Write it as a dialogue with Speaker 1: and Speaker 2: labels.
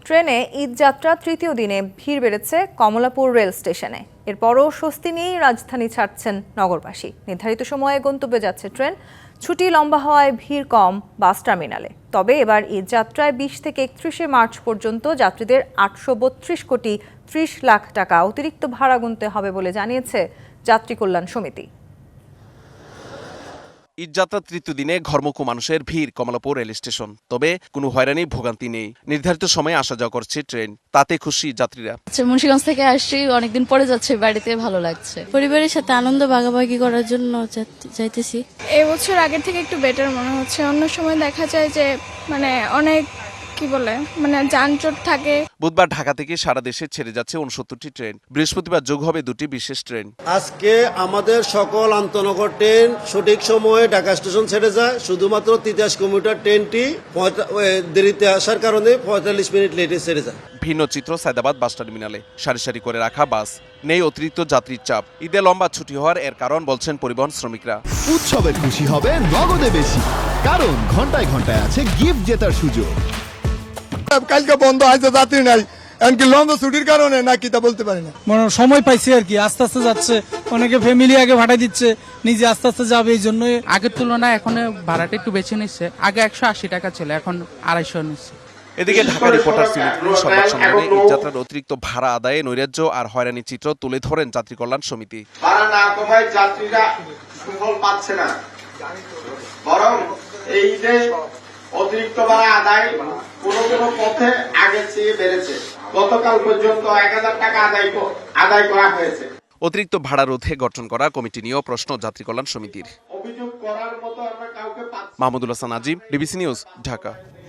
Speaker 1: ট্রেনে ঈদ যাত্রা তৃতীয় দিনে ভিড় বেড়েছে কমলাপুর রেল স্টেশনে। এরপরও স্বস্তি নিয়েই রাজধানী ছাড়ছেন নগরবাসী। নির্ধারিত সময়ে গন্তব্যে যাচ্ছে ট্রেন। ছুটি লম্বা হওয়ায় ভিড় কম বাস টার্মিনালে। তবে এবার ঈদ যাত্রায় 20 থেকে 31শে মার্চ পর্যন্ত যাত্রীদের 832 কোটি 30 লাখ টাকা অতিরিক্ত ভাড়া গুনতে হবে বলে জানিয়েছে যাত্রী কল্যাণ সমিতি।
Speaker 2: ঈদযাত্রার তৃতীয় দিনে ঘরমুখো মানুষের ভিড় কমলাপুর রেল স্টেশন। তবে কোনো হয়রানি ভোগান্তি নেই। নির্ধারিত সময়ে আসা যাওয়া করছে ট্রেন, তাতে খুশি যাত্রীরা।
Speaker 3: মুন্সিগঞ্জ থেকে আসছি, অনেকদিন পরে যাচ্ছে, বাড়িতে ভালো লাগছে।
Speaker 4: পরিবারের সাথে আনন্দ ভাগাভাগি করার জন্য যাইতেছি।
Speaker 5: এই বছর আগের থেকে একটু বেটার মনে হচ্ছে। অন্য সময় দেখা যায় যে অনেক যানজট থাকে।
Speaker 2: বুধবার ঢাকা থেকে সারা দেশে ছেড়ে যাচ্ছে 69টি ট্রেন। বৃহস্পতিবার যোগ হবে 2টি বিশেষ ট্রেন।
Speaker 6: আজকে আমাদের সকল আন্তনগর ট্রেন সঠিক সময়ে ঢাকা স্টেশন ছেড়ে যায়। শুধুমাত্র তিতাস কমিউটার ট্রেনটি দেরিতে আসার কারণে 45 মিনিট লেটে ছেড়ে যায়।
Speaker 2: ভিন্ন চিত্র সায়দাবাদ বাস টার্মিনালে। সারি সারি করে রাখা বাস, নেই অতিরিক্ত যাত্রীর চাপ। ঈদে লম্বা ছুটি হওয়ার এর কারণ বলছেন পরিবহন শ্রমিকরা।
Speaker 7: উৎসবে খুশি হবে নগদে বেশি, কারণ ঘন্টায় ঘন্টায় আছে গিফট জেতার সুযোগ।
Speaker 8: কালকে বন্ধ আছে, যাত্রী নাই, এমনকি লম্বা ছুটির কারণে নাকি তা বলতে পারি না।
Speaker 9: সময় পাইছি আর কি, আস্তে আস্তে যাচ্ছে। অনেকে ফ্যামিলি আগে ভাড়া দিচ্ছে, নিজে আস্তে আস্তে যাবে। এই জন্যই
Speaker 10: আগের তুলনায় এখন ভাড়াটা একটু বেশি নিচ্ছে। আগে 180 টাকা ছিল, এখন 250 নিচ্ছে।
Speaker 2: এদিকে ঢাকা রিপোর্টার সিলেক্টর সংবাদ সম্মেলনে ঈদযাত্রার অতিরিক্ত ভাড়া আদায়ে নৈরাজ্য আর হয়রানি চিত্র তুলে ধরেন যাত্রী কল্যাণ সমিতি।
Speaker 11: ভাড়া না কমায় যাত্রীরা সুফল পাচ্ছে না, বরং এই যে অতিরিক্ত ভাড়া আদায় কোনো কোনো পথে আগের চেয়ে বেড়েছে। গতকাল পর্যন্ত 1000 টাকা আদায় করা হয়েছে।
Speaker 2: অতিরিক্ত ভাড়া রোধে গঠন করা কমিটি নিয়েও প্রশ্ন যাত্রী কল্যাণ সমিতির।
Speaker 11: অভিযোগ করার মতো আমরা কাউকে পাচ্ছি না।
Speaker 2: Mahmudul Hasan Azim, DBC news, Dhaka.